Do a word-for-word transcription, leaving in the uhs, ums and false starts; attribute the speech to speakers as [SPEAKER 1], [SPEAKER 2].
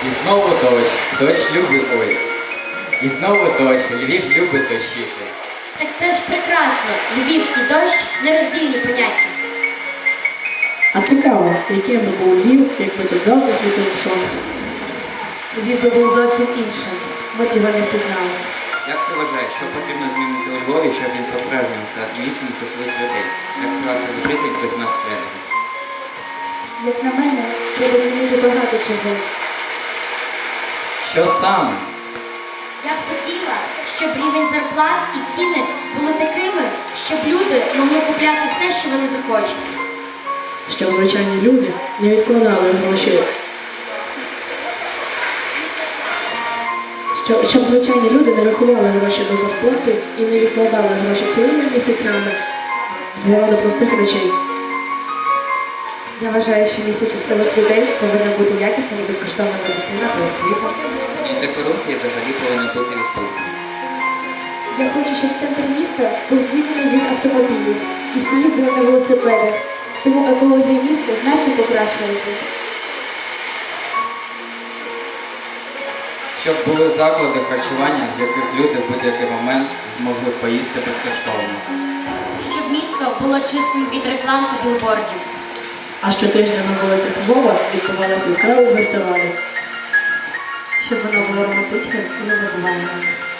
[SPEAKER 1] І знову дощ, дощ любить ой. І знову дощ, Львів любить дощити.
[SPEAKER 2] Так це ж прекрасно. Львів і дощ – нероздільні поняття.
[SPEAKER 3] А цікаво, яким би був Львів, якби тут завжди світило сонце.
[SPEAKER 4] Львів би був зовсім іншим. Ми б його не впізнали.
[SPEAKER 5] Як ти вважаєш, що потрібно змінити у Львові, щоб він по-справжньому став містом щасливих людей? Як справді житель без нас спереду?
[SPEAKER 4] Як на мене, треба змінити багато чого.
[SPEAKER 1] Що саме?
[SPEAKER 2] Я б хотіла, щоб рівень зарплат і ціни були такими, щоб люди могли купляти все, що вони захочуть.
[SPEAKER 3] Щоб звичайні люди не відкладали гроші. Щоб, щоб звичайні люди не рахували гроші до зарплати і не відкладали гроші цілими місяцями заради простих речей.
[SPEAKER 4] Я вважаю, що в місті щасливих людей повинна бути якісна і безкоштовна медицина та освіта.
[SPEAKER 5] І для корупції взагалі повинна бути відсутня.
[SPEAKER 4] Я хочу, щоб центр міста був звільнений від автомобілів і всі їздили на велосипедах. Тому екологія міста значно покращилась би.
[SPEAKER 1] Щоб були заклади харчування, в яких люди в будь-який момент змогли поїсти безкоштовно.
[SPEAKER 2] Щоб місто було чистим від реклам та білбордів.
[SPEAKER 3] А щотижня на вулицях Львова відбувалися яскраві фестивалі.
[SPEAKER 4] Щоб воно було романтичним і незабуваємим.